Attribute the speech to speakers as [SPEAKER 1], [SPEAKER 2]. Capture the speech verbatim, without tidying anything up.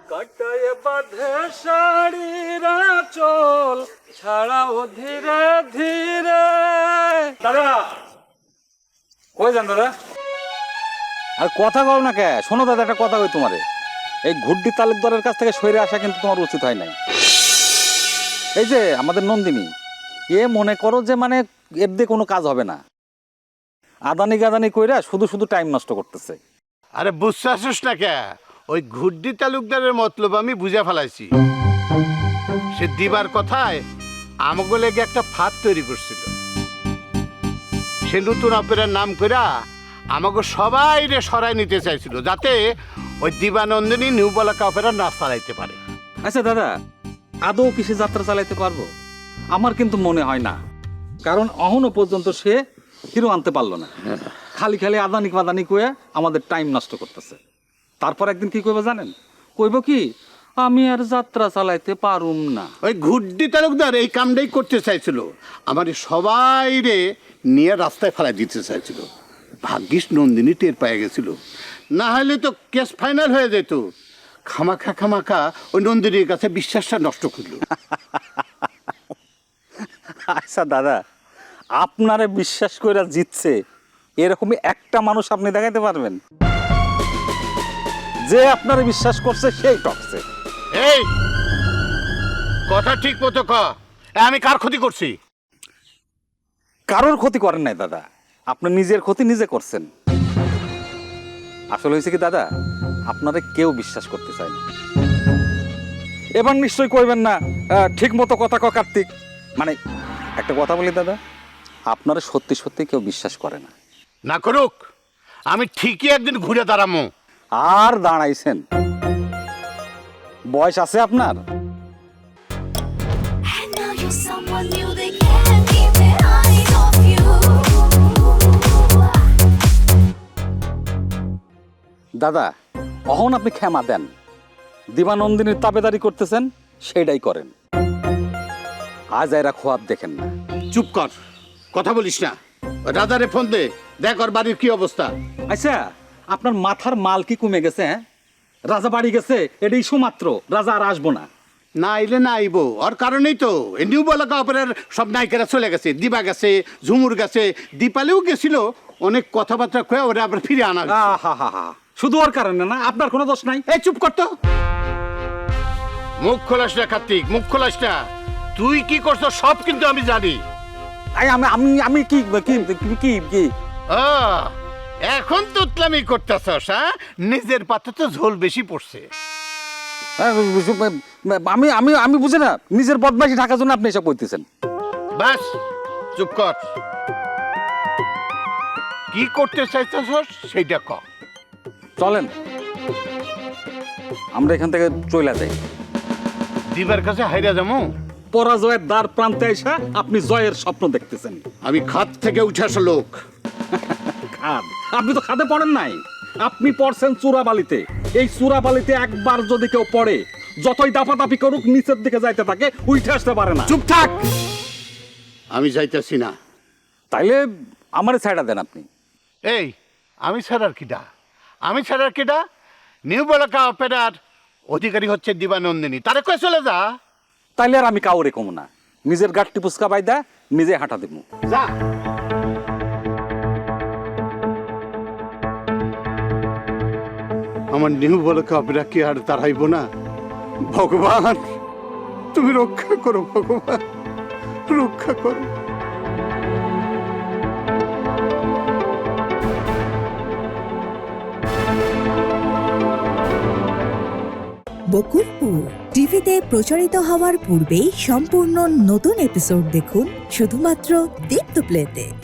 [SPEAKER 1] কাটায় বাঁধে শাড়িরা চল ছাড়াও ধীরে ধীরে। দাদা কই যান দাদা?
[SPEAKER 2] আর কথা কও না কে? শোনো দাদা, একটা কথা কই তোমারে, এই ঘুড্ডি তালুকদারের কাছ থেকে সরে আসা কিন্তু তোমার উচিত হয় নাই। এই যে আমাদের নন্দিনী, এ মনে করো যে মানে এর দিয়ে কোনো কাজ হবে না, আদানি গাদানি কইরা শুধু শুধু টাইম নষ্ট করতেছে।
[SPEAKER 3] আরে বুঝতে আসিস না কে? ওই ঘুড্ডি তালুকদারের মতলব আমি বুঝে ফেলাইছি। সে দিবার কথায় আমাকে লেগে একটা ফাঁদ তৈরি করছিল। সে নতুন অপেরার নাম কইরা আমাকে সবাই রে সরাই নিতে চাইছিল, যাতে ওই দিবানন্দিনী নিউ বলাকা অপেরা না চালাইতে পারে।
[SPEAKER 2] আচ্ছা দাদা, আদৌ কি সে যাত্রা চালাইতে পারবো? আমার কিন্তু মনে হয় না, কারণ এখনো পর্যন্ত সে হিরো আনতে পারলো না। খালি খালি আদানি ফাদানি কয়ে আমাদের টাইম নষ্ট করতেছে। তারপর একদিন কি কইব জানেন? কইব কি, আমি আর যাত্রা চালাইতে পারুম না।
[SPEAKER 3] ওই ঘুড্ডি তালুকদার এই কামটাই করতে চাইছিল, আমার সবাই রে নিয়ে রাস্তায় ফেলাই দিতে চাইছিল। ভাগ্যিস নন্দিনী টের পেয়ে গেছিল, না হলে তো কেস ফাইনাল হয়ে যেত। খামাখা খামাখা ওই নন্দিনীর কাছে বিশ্বাসটা নষ্ট করল।
[SPEAKER 2] আচ্ছা দাদা, আপনারে বিশ্বাস করে জিতছে এরকমই একটা মানুষ আপনি দেখাইতে পারবেন? যে আপনারে বিশ্বাস করছে সেই টকছে।
[SPEAKER 3] এই কথা ঠিক মতো ক, আমি কার ক্ষতি করছি?
[SPEAKER 2] কারোর ক্ষতি করেন নাই দাদা, আপনি নিজের ক্ষতি নিজে করছেন। আসলে হয়েছে কি দাদা, আপনারে কেউ বিশ্বাস করতে চায় না। এবার নিশ্চয়ই কইবেন না ঠিক মতো কথা ক কার্তিক। মানে একটা কথা বলি দাদা, আপনারা সত্যি সত্যি কেউ বিশ্বাস করে না।
[SPEAKER 3] না করুক, আমি ঠিকই একদিন ঘুরে দাঁড়ামো।
[SPEAKER 2] আর দাঁড়াইছেন, বয়স আছে আপনার।
[SPEAKER 4] And now you're someone new, they can't keep their eyes off you.
[SPEAKER 2] দাদা অহন আপনি ক্ষমা দেন, দিবানন্দিনীর তাবেদারি করতেছেন সেটাই করেন, আজ এরা খোয়াব দেখেন না।
[SPEAKER 3] চুপ কর, কথা বলিস না। রাজারে ফোন দে, দেখ ওর বাড়ির কি অবস্থা।
[SPEAKER 2] আচ্ছা আপনার মাথার মাল কি কমে গেছে? হ্যাঁ, রাজা বাড়ি গেছে এটাই সুমাত্র, রাজা আর আসবো না।
[SPEAKER 3] না আইলে না আইবো, ওর কারণেই তো এই নিউ বলাকা অপেরার সব নায়িকারা চলে গেছে। দিবা গেছে, ঝুমুর গেছে, দীপালিও গেছিল। অনেক কথাবার্তা কয়ে ওরা আবার ফিরে আনা হয়েছে।
[SPEAKER 2] হা হা হা, শুধু ওর কারণে না, আপনার কোনো দোষ নাই।
[SPEAKER 3] এই চুপ কর তো, মুখ খোলাস না কার্তিক, মুখ খোলাস না। তুই কি করছো সব কিন্তু আমি জানি।
[SPEAKER 2] আই, আমি আমি আমি কি কি কি কি
[SPEAKER 3] আহ, এখন তো উতলামি করতেছস, হ্যাঁ? নিজের পাতে তো ঝোল বেশি পড়ছে।
[SPEAKER 2] আমি আমি আমি বুঝি না, নিজের বদমাইশি ঢাকার জন্য আপনি এসব কইতেছেন।
[SPEAKER 3] বাস চুপ কর, কি করতে চাইতেছস সেইটা ক।
[SPEAKER 2] চলেন আমরা এখান থেকে চলে যাই।
[SPEAKER 3] দিবার কাছে হাইরা যাবো?
[SPEAKER 2] পরাজয়ের দ্বার প্রান্তে এসে আপনি জয়ের স্বপ্ন দেখতেছেন।
[SPEAKER 3] আমি খাদ থেকে উঠে আসা লোক।
[SPEAKER 2] খাদ? আপনি তো খাদে পড়েন নাই, আপনি পড়ছেন চূড়াবালিতে। এই চূড়াবালিতে একবার যদি কেউ পড়ে, যতই দাপাদাপি করুক নিচের দিকে যাইতে থাকে, উঠে আসতে পারে না।
[SPEAKER 3] চুপ থাক, আমি যাইতেছি না।
[SPEAKER 2] তাইলে আমারে ছাইড়া দেন আপনি।
[SPEAKER 3] এই আমি ছাড়ার কিডা? আমি ছাড়ার কিডা? নিউ বলাকা অপেরার অধিকারী হচ্ছে দিবানন্দিনী, তারে কয়ে চলে যা।
[SPEAKER 2] তাইলে আর আমি কাউরে কমু না, নিজের গাঠটি পুচকা বাইদা নিজে হাঁটা দিব।
[SPEAKER 3] যা। আমার নিউ বলাকা অপেরা কি আর তাড়াইব না? ভগবান তুমি রক্ষা করো, ভগবান রক্ষা করো।
[SPEAKER 5] বকুলপুর টিভিতে প্রচারিত হওয়ার পূর্বেই সম্পূর্ণ নতুন এপিসোড দেখুন শুধুমাত্র দীপ্ত প্লেতে।